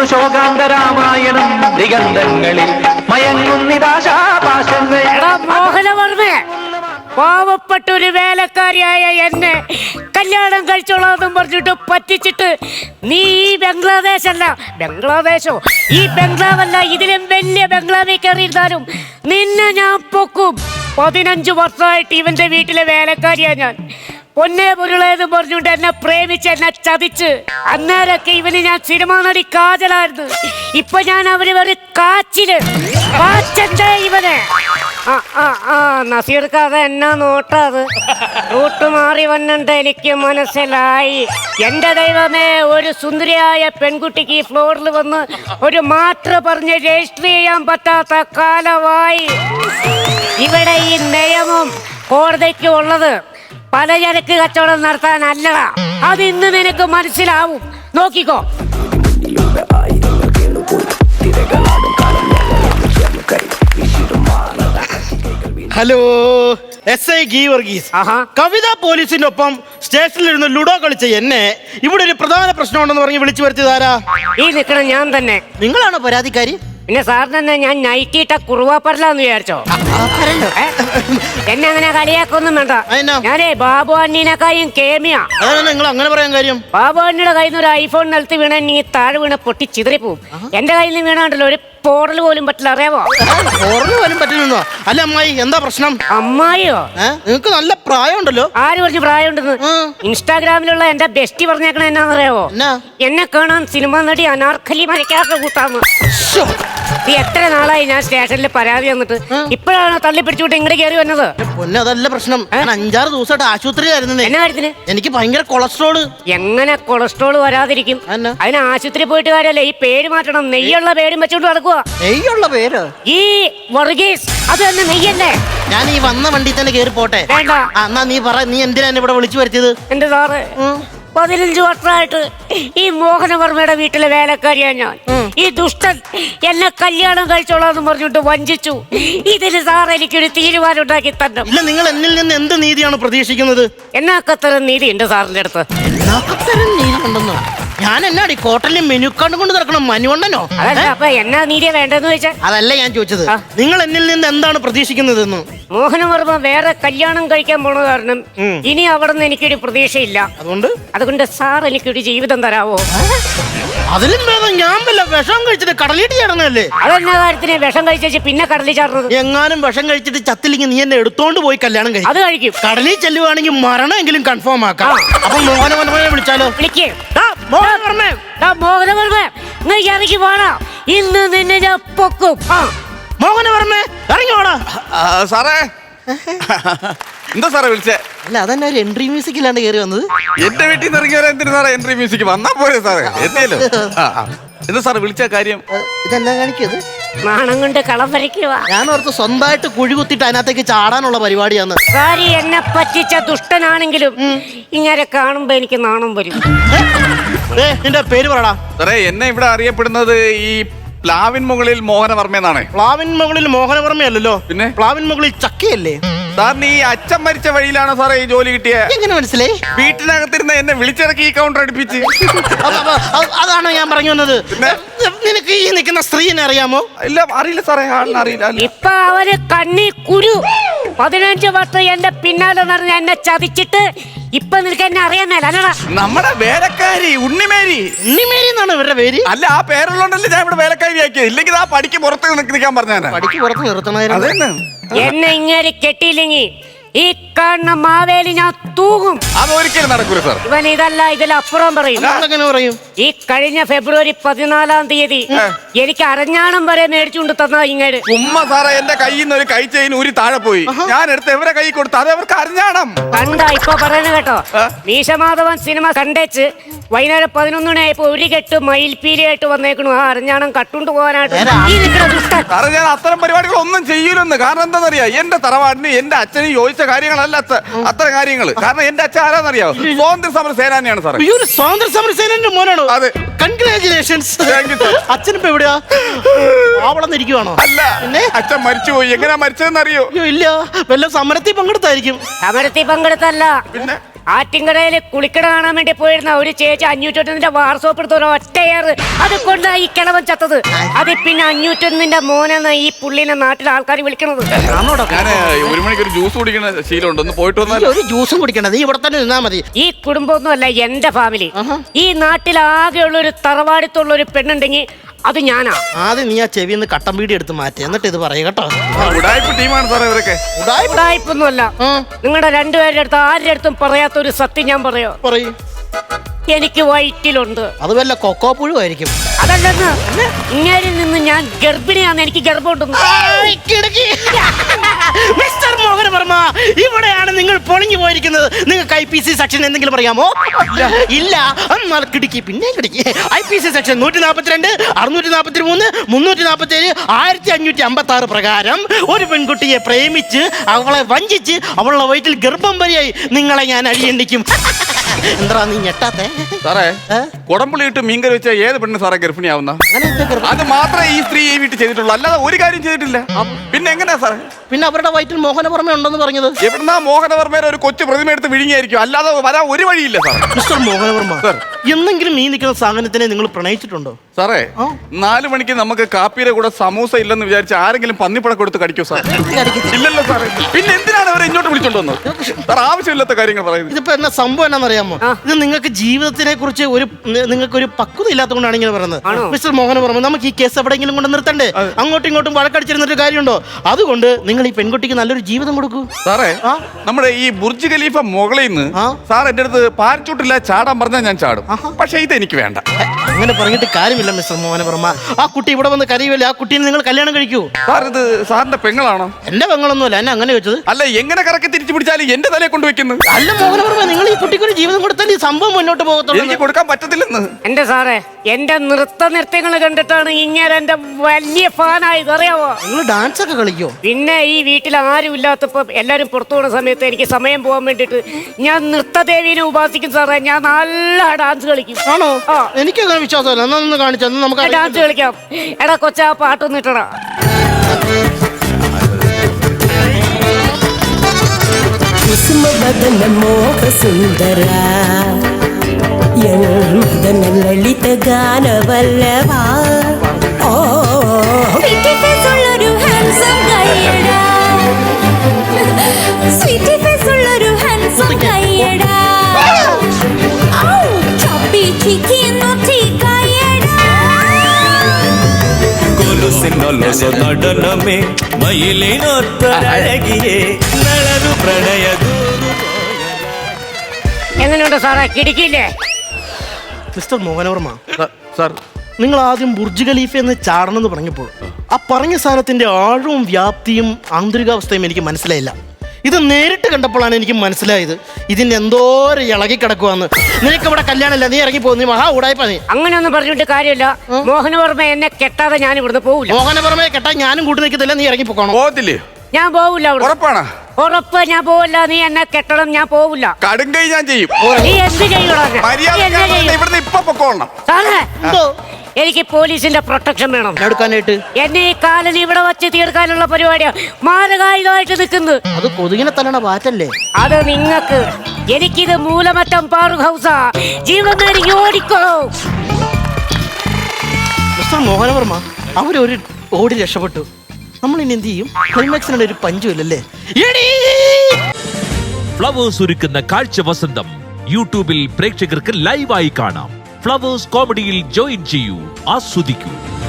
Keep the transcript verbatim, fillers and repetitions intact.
ശോകാന്തരാമായണം ദിഗന്ധങ്ങളിൽ മയങ്ങുന്നിതാശാപാശങ്ങൾ. മോഹനവർമ്മ, പാവപ്പെട്ട ഒരു വേലക്കാരിയായ എന്നെ കല്യാണം കഴിച്ചോളാന്നും പറഞ്ഞിട്ട് പറ്റിച്ചിട്ട് നീ ഈ ബംഗ്ലാദേശല്ല, ബംഗ്ലാദേശോ ഈ ബംഗ്ലാവല്ല, ഇതിലും വലിയ ബംഗ്ലാവിൽ കയറിയിരുന്നാലും നിന്നെ ഞാൻ പൊക്കും. പതിനഞ്ച് വർഷമായിട്ട് ഇവന്റെ വീട്ടിലെ വേലക്കാരിയാ ഞാൻ. പൊന്നെ പൊരുളേന്ന് പറഞ്ഞുകൊണ്ട് എന്നെ പ്രേമിച്ച് എന്നെ ചതിച്ച് അന്നേരൊക്കെ ഇവന് ഞാൻ സിനിമാ നടി കാജലായിരുന്നു. ഇപ്പൊ ഞാൻ അവര് ഒരു കാച്ചില് കാച്ചന്റെ ഇവനെ. ആ ആ ആ നസീർക്കാതെ എന്നാ നോട്ടാത് റൂട്ട് മാറി വന്നിട്ട് എനിക്ക് മനസ്സിലായി. എന്റെ ദൈവമേ, ഒരു സുന്ദരിയായ പെൺകുട്ടിക്ക് ഈ ഫ്ലോറിൽ വന്ന് ഒരു മാത്ര പറഞ്ഞ് രജിസ്റ്റർ ചെയ്യാൻ പറ്റാത്ത കാലമായി. ഇവിടെ ഈ നിയമം കോടതിക്ക് ഉള്ളത് പലചരക്ക് കച്ചവടം നടത്താനല്ലടാ. അത് ഇന്ന് നിനക്ക് മനസ്സിലാവും, നോക്കിക്കോ. Hello, S I Geevarghese. Kavitha പോലീസിനൊപ്പം സ്റ്റേഷനിലിരുന്ന് ലുഡോ കളിച്ച എന്നെ ഇവിടെ ഒരു പ്രധാന പ്രശ്നമുണ്ടെന്ന് പറഞ്ഞ് വിളിച്ചു വരുത്തിയതാരാ? ഈ നിൽക്കണം ഞാൻ തന്നെ. നിങ്ങളാണോ പരാതിക്കാരി? പിന്നെ സാറിന് തന്നെ ഞാൻ നൈറ്റിട്ട കുറുവാപ്പറലാന്ന് വിചാരിച്ചോ? എന്നെ അങ്ങനെ കളിയാക്കൊന്നും വേണ്ട. ഞാനേ ബാബു അണ്ണീനെക്കായും കേമിയാ. നിങ്ങൾ അങ്ങനെ പറയാൻ കാര്യം? ബാബു അണ്ണിയുടെ കയ്യിൽ നിന്ന് ഒരു ഐഫോൺ നിലത്ത് വീണ നീ താഴെ വീണ പൊട്ടി ചിതറിപ്പോവും. എന്റെ കയ്യിൽ നിന്ന് വീണാണ്ടല്ലോ ഒരു പോറൽ പോലും പറ്റില്ല, അറിയാവോ? പോറൽ പോലും പറ്റില്ലെന്നോ? അല്ല അമ്മായി, എന്താ പ്രശ്നം? അമ്മായിയോ? നിങ്ങക്ക് നല്ല പ്രായമുണ്ടല്ലോ. ആര് പറഞ്ഞു പ്രായമുണ്ടെന്ന്? ഇൻസ്റ്റാഗ്രാമിലുള്ള എന്റെ ബെസ്റ്റി പറഞ്ഞേക്കണ എന്നാന്നറിയാവോ? എന്നെ കാണാൻ സിനിമ നടി അനാർക്കലി മരക്കാത്ത കൂട്ടാന്ന്. നീ എത്ര നാളായി ഞാൻ സ്റ്റേഷനിൽ പരാതി വന്നിട്ട് ഇപ്പോഴാണ് തള്ളി പിടിച്ചുകൊണ്ട് ഇങ്ങോട്ട് കയറി വന്നത്? പൊന്നെ, അതല്ല പ്രശ്നം. ഞാൻ അഞ്ചാറ് ദിവസമായിട്ട് ആശുപത്രിയിലായിരുന്നു. എന്നാ കാര്യത്തിന്? എനിക്ക് ഭയങ്കര കൊളസ്ട്രോള്. എങ്ങനെ കൊളസ്ട്രോൾ വരാതിരിക്കും? അതിന് ആശുപത്രി പോയിട്ട് കാര്യമല്ല, ഈ പേര് മാറ്റണം. നെയ്യുള്ള പേരും വെച്ചോണ്ട് നടക്കുക. നെയ്യുള്ള പേര്? ഈ വർഗീസ്, അത് തന്നെ നെയ്യല്ലേ? ഞാൻ ഈ വന്ന വണ്ടി തന്നെ കയറി പോട്ടെ. വേണ്ട. എന്നാ നീ പറ, നീ എന്തിനാ ഇവിടെ വിളിച്ചു വരുത്തിയത്? എന്റെ സാറ്, പതിനഞ്ച് വർഷമായിട്ട് ഈ മോഹനവർമ്മയുടെ വീട്ടിലെ വേലക്കാരിയാ ഞാൻ. ഈ ദുഷ്ടൻ എന്നെ കല്യാണം കഴിച്ചോളാന്ന് പറഞ്ഞിട്ട് വഞ്ചിച്ചു. ഇതിന് സാർ എനിക്കൊരു തീരുമാനം ഉണ്ടാക്കി തന്നെ. ഇല്ല, നിങ്ങൾ എന്നിൽ നിന്ന് എന്ത് നീതിയാണ് പ്രതീക്ഷിക്കുന്നത്? എന്നാക്കത്തരം നീതി ഉണ്ട് സാറിന്റെ അടുത്ത്? എന്നാക്കത്തരം നീതി ഉണ്ടെന്നോ? ഞാൻ എന്നാടി കോട്ടലിൽ മെനു കാർഡ് കൊണ്ട് നടക്കണം മനുവണ്ണനോ? അതല്ല, അപ്പൊ എന്നാ നീതിയാ വേണ്ടെന്ന് ചോദിച്ചാൽ? അതല്ല ഞാൻ ചോദിച്ചത്, നിങ്ങൾ എന്നിൽ നിന്ന് എന്താണ് പ്രതീക്ഷിക്കുന്നതെന്ന്. മോഹനവർമ്മ വേറെ കല്യാണം കഴിക്കാൻ പോണ കാരണം ഇനി അവിടെ നിന്ന് എനിക്കൊരു പ്രതീക്ഷയില്ല. അതുകൊണ്ട് അതുകൊണ്ട് സാർ എനിക്കൊരു ജീവിതം തരാവോ? അതിലും ഭേദം ഞാൻ വല്ല വിഷം കഴിച്ചിട്ട് കടലിട്ട് ചാടുന്നല്ലേ. അതെന്നാ കാര്യത്തിന് വിഷം കഴിച്ചു പിന്നെ കടലിൽ ചാടുന്നത്? എങ്ങാനും വിഷം കഴിച്ചിട്ട് ചത്തില്ലെങ്കിൽ നീ എന്നെ എടുത്തോണ്ട് പോയി കല്യാണം കഴിക്കും. അത് കഴിക്കും. കടലിൽ ചെല്ലുവാണെങ്കിൽ മരണമെങ്കിലും കൺഫേം ആക്കാം. അപ്പൊ മോഹനവർമ്മയെ വിളിച്ചാലോ? വിളിക്കേ. മോഹനവർമ്മ, ഇറങ്ങി പോണോ? ഇന്ന് നിന്നെ ഞാൻ പൊക്കും. മോഹനവർമ്മ ഇറങ്ങി പോണോ? സാറേ, എന്താ സാറേ വിളിച്ചേ? അല്ല, അതന്നെ ഒരു എൻട്രി മ്യൂസിക്കിലാണ് കയറി വന്നത്. എന്റെ വീട്ടിൽ നിന്ന് ഇറങ്ങി വരാൻ എന്തിനു സാറേ എൻട്രി മ്യൂസിക്? വന്നാ പോരെ സാറേ, എത്തിയല്ലോ. എന്താ സാറേ വിളിച്ച കാര്യം? ഇതെന്നാ കാണിക്കത്? നാണം കൊണ്ട് കളം വരയ്ക്കുക. ഞാൻ ഓർത്ത് സ്വന്തമായിട്ട് കുഴി കുത്തിട്ട് അതിനകത്തേക്ക് ചാടാനുള്ള പരിപാടിയാന്ന്. കാര്യം എന്നെ പറ്റിച്ച ദുഷ്ടനാണെങ്കിലും ഇങ്ങനെ കാണുമ്പോ എനിക്ക് നാണം വരും. നിന്റെ പേര് പറടാ. സാറേ, എന്നെ ഇവിടെ അറിയപ്പെടുന്നത് ഈ പ്ലാവിൻ മുകളിൽ മോഹനവർമ്മ എന്നാണ്. പ്ലാവിൻ മുകളിൽ മോഹനവർമ്മയല്ലോ, പിന്നെ പ്ലാവിൻ മുകളിൽ ചക്കയല്ലേ? സാറിന് ഈ അച്ഛൻ മരിച്ച വഴിയിലാണോ സാറേ ഈ ജോലി കിട്ടിയ? എങ്ങനെ മനസ്സിലായി? വീട്ടിനകത്തിരുന്ന് എന്നെ വിളിച്ചിറക്കി ഈ കൗണ്ടർ അടുപ്പിച്ച്. അതാണോ ഞാൻ പറഞ്ഞു വന്നത്? നിനക്ക് ഈ നിൽക്കുന്ന സ്ത്രീനെ അറിയാമോ? ഇല്ല, അറിയില്ല സാറേ, അറിയില്ല. ഇപ്പൊ അവര് കണ്ണി കുരു. പതിനഞ്ച് വർഷം എന്റെ പിന്നാലെ നടന്ന് എന്നെ ചതിച്ചിട്ട് ഇപ്പൊ നിനക്ക് എന്നെ അറിയാമേലടാ. നമ്മുടെ വേലക്കാരി ഉണ്ണിമേരി. ഉണ്ണിമേരി എന്നാണ് ഇവരുടെ പേര്? അല്ല, ആ പേരുള്ളോണ്ടല്ലേ ഞാൻ ഇവിടെ വേലക്കാരി ആക്കിയത്. ഇല്ലെങ്കിൽ ആ പടിക്ക് പുറത്ത് നിൽക്കാൻ പറഞ്ഞാ. പടിക്ക് പുറത്ത് നിർത്തണമായിരുന്നു. എന്നെ ഇങ്ങനെ കെട്ടിയില്ലെങ്കിൽ ഈ കാണുന്ന മാവേലി ഞാൻ തൂകും. അതൊരിക്കലും നടക്കൂല സാർ. ഇവൻ ഇതല്ല, ഇതിലപ്പുറം പറയും. പറയും. ഈ കഴിഞ്ഞ ഫെബ്രുവരി പതിനാലാം തീയതി എനിക്ക് അരഞ്ഞാണം വരെ മേടിച്ചുകൊണ്ട് തന്ന ഇങ്ങോട്ട്. ഉമ്മ സാറേ, എന്റെ കയ്യിൽ നിന്ന് ഒരു കൈ ചെയിൻ ഊരി താഴെ പോയി. ഞാൻ എടുത്ത് എവരെ കൈ കൊടുത്തു, അത് അവർക്ക് അരഞ്ഞാണം. കണ്ട ഇപ്പൊ പറയുന്നത് കേട്ടോ. മീശമാധവൻ സിനിമ കണ്ടേച്ച് വൈകുന്നേരം പതിനൊന്ന് മണിയായപ്പോ ഒരു കെട്ട് മയിൽപ്പീലിയായിട്ട് വന്നേക്കണു ആ അരഞ്ഞാണം കട്ടുകൊണ്ട് പോകാനായിട്ട്. സാറേ, ഞാൻ അത്തരം പരിപാടികൾ ഒന്നും ചെയ്യൂലെന്ന്. കാരണം എന്താണെന്നറിയാ, എന്റെ തറവാടിന് എന്റെ അച്ഛനും യോജിച്ച കാര്യങ്ങളല്ല അത്തരം കാര്യങ്ങൾ. കാരണം എന്റെ അച്ഛൻ ആരാന്നറിയാവോ? സ്വാതന്ത്ര്യ സമര സേനാനിയാണ് സാറേ. സ്വാതന്ത്ര്യ സമര സേനാന്റെ മോനാണോ? അതെ. കൺഗ്രാചുലേഷൻസ്. അച്ഛനിപ്പോ എവിടെയാ? ആവളന്നിരിക്കുവാണോ? അല്ല, അച്ഛൻ മരിച്ചുപോയി. എങ്ങനെയാ മരിച്ചതെന്ന് അറിയോ? ഇല്ല, വല്ല സമരത്തിൽ പങ്കെടുത്തായിരിക്കും. സമരത്തിൽ പങ്കെടുത്തല്ല, പിന്നെ ആറ്റിങ്കടയിൽ കുളിക്കട കാണാൻ വേണ്ടി പോയിരുന്ന ഒരു ചേച്ചി അഞ്ഞൂറ്റൊന്നിന്റെ വാർസോപ്പ് എടുത്ത ഒരു ഒറ്റയേറ് അത് കൊണ്ടാ ഈ കിളവൻ ചത്തത്. അത് പിന്നെ അഞ്ഞൂറ്റൊന്നിന്റെ മോനെന്ന് ഈ പുള്ളിനെ നാട്ടിലെ ആൾക്കാർ വിളിക്കണത്. ഞാൻ ഒരു മണിക്ക് ഒരു ജ്യൂസ് കുടിക്കുന്ന ശീലമുണ്ട്, ഒന്ന് പോയിട്ട് വന്നാൽ. ഒരു ജ്യൂസും കുടിക്കണ്ട, നീ ഇവിടെ തന്നെ നിന്നാ മതി. ഈ കുടുംബമൊന്നും അല്ല എന്റെ ഫാമിലി. ഈ നാട്ടിൽ ആകെയുള്ള ഒരു തറവാടിത്തുള്ള ഒരു പെണ്ണുണ്ടെങ്കിൽ അത് ഞാനാ. ആദ്യം നീ ആ ചെവിന്ന് കട്ടൻ പീടി എടുത്ത് മാറ്റി, എന്നിട്ട് ഇത് പറയ കേട്ടോ. ഉടായ്പ ടീമാണ് സാറേ ഇവരൊക്കെ. ഉടായ്പൊന്നുമല്ല. നിങ്ങളുടെ രണ്ടുപേരുടെ അടുത്ത് ആരുടെ അടുത്തും പറയാത്ത ഒരു സത്യം ഞാൻ പറയോ? പറയൂ. എനിക്ക് വയറ്റിലുണ്ട്. അത് വല്ല കൊക്കോ പുഴുവായിരിക്കും. അതല്ലെന്ന്, ഇങ്ങേരിൽ നിന്ന് ഞാൻ ഗർഭിണിയാന്ന് എനിക്ക് ഗർഭമുണ്ടെന്ന്. മിസ്റ്റർ മോഹനവർമ്മ, ഇവിടെയാണ് നിങ്ങൾ പൊളിഞ്ഞു പോയിരിക്കുന്നത്. നിങ്ങൾക്ക് ഐ പി സി സെക്ഷൻ എന്തെങ്കിലും പറയാമോ? ഇല്ല. എന്നാൽ കിടക്കി, പിന്നെ കിടക്കി. ഐ പി സി സെക്ഷൻ നൂറ്റി നാൽപ്പത്തിരണ്ട്, അറുന്നൂറ്റി നാൽപ്പത്തി മൂന്ന്, മുന്നൂറ്റി നാൽപ്പത്തി ഏഴ്, ആയിരത്തി അഞ്ഞൂറ്റി അമ്പത്തി ആറ് പ്രകാരം ഒരു പെൺകുട്ടിയെ പ്രേമിച്ച് അവളെ വഞ്ചിച്ച് അവളുടെ വയറ്റിൽ ഗർഭം വരെയായി നിങ്ങളെ ഞാൻ അഴിയണ്ടിക്കും. എന്താ നീ ഞെട്ടാത്തെ? സാറേ, കുടംപുളി ഇട്ട് മീൻകറി വെച്ച ഏത് പെണ്ണ് സാറേ ഗർഭിണിയാവുന്ന? അത് മാത്രമേ ഈ സ്ത്രീ ഈ വീട്ടിൽ ചെയ്തിട്ടുള്ളൂ, അല്ലാതെ ഒരു കാര്യം ചെയ്തിട്ടില്ല. പിന്നെ എങ്ങനെയാ സാറേ? പിന്നെ അവരുടെ വയറ്റിൽ മോഹനവർമ്മ ഉണ്ടെന്ന് പറഞ്ഞത് എവിടുന്നാ? മോഹനവർമ്മയുടെ ഒരു കൊച്ചു പ്രതിമ എടുത്ത് വിഴുങ്ങിയായിരിക്കും, അല്ലാതെ വരാൻ ഒരു വഴിയില്ല സാർ. മിസ്റ്റർ മോഹനവർമ്മ, എന്തെങ്കിലും ഈ നിൽക്കുന്ന സാധനത്തിനെ നിങ്ങൾ പ്രണയിച്ചിട്ടുണ്ടോ? സാറേ, നാലു മണിക്ക് നമുക്ക് കാപ്പിയുടെ കൂടെ സമൂസ ഇല്ലെന്ന് വിചാരിച്ച് ആരെങ്കിലും പന്നിപ്പട കൊടുത്ത് കടിക്കോ സാർ? ഇല്ലല്ലോ സാറേ. പിന്നെ എന്തിനാണ് അവരെ ഇങ്ങോട്ട് വിളിച്ചോണ്ട് വന്നത്? സാർ ആവശ്യമില്ലാത്ത കാര്യങ്ങൾ പറയുന്നത്. ഇതിപ്പോ എന്നാ സംഭവം എന്നാണെന്നറിയാമോ? ഇത് നിങ്ങൾക്ക് ജീവിതത്തിനെ കുറിച്ച് ഒരു നിങ്ങൾക്ക് ഒരു പക്വത ഇല്ലാത്തതുകൊണ്ടാണ് ഇങ്ങനെ പറയുന്നത്. മിസ്റ്റർ മോഹനവർമ്മ, നമുക്ക് ഈ കേസ് എവിടെയെങ്കിലും കൊണ്ട് നിർത്തണ്ടേ? അങ്ങോട്ടും ഇങ്ങോട്ടും വഴക്കടിച്ചിരുന്നിട്ട് കാര്യമുണ്ടോ? അതുകൊണ്ട് നിങ്ങൾ ഈ പെൺകുട്ടിക്ക് നല്ലൊരു ജീവിതം കൊടുക്കൂ. സാറേ, നമ്മുടെ ഈ ബുർജ് ഖലീഫ മുകളിൽ നിന്ന് സാർ എന്റെ അടുത്ത് പാരച്ചൂട്ടില്ല ചാടാൻ പറഞ്ഞാൽ ഞാൻ ചാടും. പക്ഷെ ഇത് എനിക്ക് വേണ്ട. അങ്ങനെ പറഞ്ഞിട്ട് കാര്യമില്ല മിസ്റ്റർ മോഹനവർമ്മ. ആ കുട്ടി ഇവിടെ വന്ന് കരയുമല്ലേ, ആ കുട്ടീനെ നിങ്ങൾ കല്യാണം കഴിക്കൂ. സാർ, ഇത് സാറിന്റെ പെങ്ങളാണോ? എന്റെ പെങ്ങളൊന്നുമല്ല, എന്നെ അങ്ങനെ വെച്ചത്. അല്ല, എങ്ങനെ കറക്കി തിരിച്ചു പിടിച്ചാലും എന്റെ തലയെ കൊണ്ടുവെക്കുന്നത്. അല്ല മോഹനവർമ്മ, നിങ്ങൾ ഈ കുട്ടിക്ക് ഒരു ജീവിതം കൊടുത്താൽ ഈ സംഭവം മുന്നോട്ട് പോകത്തുള്ളൂ. എനിക്ക് കൊടുക്കാൻ പറ്റത്തില്ലെന്ന്. എന്റെ സാറേ, എന്റെ നൃത്ത നൃത്യങ്ങൾ കണ്ടിട്ടാണ് ഇങ്ങനെ എന്റെ വലിയ ഫാനായത്, അറിയാവോ? നിങ്ങൾ ഡാൻസ് ഒക്കെ കളിക്കോ? പിന്നെ ഈ വീട്ടിൽ ആരും ഇല്ലാത്തപ്പോ എല്ലാരും പുറത്തു പോകുന്ന സമയത്ത് എനിക്ക് സമയം പോകാൻ വേണ്ടിട്ട് ഞാൻ നൃത്തദേവീനെ ഉപാസിക്കും സാറേ. ഞാൻ നല്ല ഡാൻസ് കളിക്കും. ആണോ? എനിക്ക് അങ്ങനെ വിശ്വാസമല്ല. എന്നാ ഒന്ന് കാണിച്ചു നമുക്ക് ഡാൻസ് കളിക്കാം. എടാ കൊച്ചാ, പാട്ടൊന്നും ഇട്ടടാ. ಕುಸುಮಬದನ ಮೋಹ ಸುಂದರ ಮದನ ಲಲಿತ ಗಾನವಲ್ಲವ ಓ ಸ್ವೀಟಿ ಫೇಸ್ ಉಳ್ಳೊരു ಹ್ಯಾಂಡ್ಸಮ್ ಗೈಯಡ ಸ್ವೀಟಿ ಫೇಸ್ ಉಳ್ಳೊരു ಹ್ಯಾಂಡ್ಸಮ್ ಗೈಯಡ ಔ ಚಪ್ಪಿ ಚಿಕ್ಕಿ ನೋಟಿ ಗೈಯಡ കൊലുസിനൊലസ നടനമേ മയിലിനൊത്തഴകിയേ നളനു പ്രണയ. എങ്ങനെയുണ്ട് സാറേ, കിടക്കില്ലേ? മിസ്റ്റർ മോഹനവർമ്മ സാർ, നിങ്ങൾ ആദ്യം ബുർജ് ഖലീഫ എന്ന് ചാടണം എന്ന് പറഞ്ഞപ്പോൾ ആ പറഞ്ഞ സാധനത്തിന്റെ ആഴവും വ്യാപ്തിയും ആന്തരികാവസ്ഥയും എനിക്ക് മനസ്സിലായില്ല. ഇത് നേരിട്ട് കണ്ടപ്പോഴാണ് എനിക്ക് മനസ്സിലായത് ഇതിന് എന്തോരം ഇളകി കിടക്കുവാന്ന്. നിനക്ക് ഇവിടെ കല്യാണമില്ല, നീ ഇറങ്ങി പോകുന്നു. മഹാ ഉടായ്പ നീ. അങ്ങനെയൊന്നും പറഞ്ഞിട്ട് കാര്യമില്ല. മോഹനവർമ്മ എന്നെ കെട്ടാതെ ഞാൻ ഇവിടുന്ന് പോവില്ല. മോഹനവർമ്മയെ കെട്ടാൻ ഞാനും കൂട്ടി നിൽക്കത്തില്ല, നീ ഇറങ്ങി പോകണം. പോകത്തില്ലേ? ഞാൻ പോവില്ല. ഉറപ്പാണ്? ഉറപ്പ്, ഞാൻ പോവില്ല. നീ എന്നെ കെട്ടണം, ഞാൻ പോവില്ല. കടുങ്കൈ ഞാൻ ചെയ്യും. നീ എന്ത് ചെയ്യണം? ഇവിടുന്ന് ഇപ്പൊ പൊക്കോളണം. സാറേ, എനിക്ക് പോലീസിന്റെ പ്രൊട്ടക്ഷൻ വേണം. എടുക്കാനായിട്ട് എന്നെ ഈ കാലനി ഇവിടെ വച്ച് തീർക്കാനുള്ള പരിപാടിയാ. മാരകായുധമായിട്ട് നിൽക്കുന്നു. അത് കൊതുകിനെ തല്ലണ വാറ്റല്ലേ? അത് നിങ്ങക്ക്. എനിക്കിത് മൂലമറ്റം പാറു ഹൗസാ. ജീവൻ നേടി ഓടിക്കോ. മിസ്റ്റർ മോഹനവർമ്മ, അവരൊരു ഓടി രക്ഷപ്പെട്ടു. നമ്മൾ ഇനി എന്ത് ചെയ്യും? ക്ലൈമാക്സിനുള്ള ഒരു പഞ്ചുമില്ലല്ലേ? ഫ്ലവേഴ്സ് ഒരുക്കുന്ന കാഴ്ച വസന്തം യൂട്യൂബിൽ പ്രേക്ഷകർക്ക് ലൈവായി കാണാം. ഫ്ലവേഴ്സ് കോമഡിയിൽ ജോയിൻ ചെയ്യൂ, ആസ്വദിക്കൂ.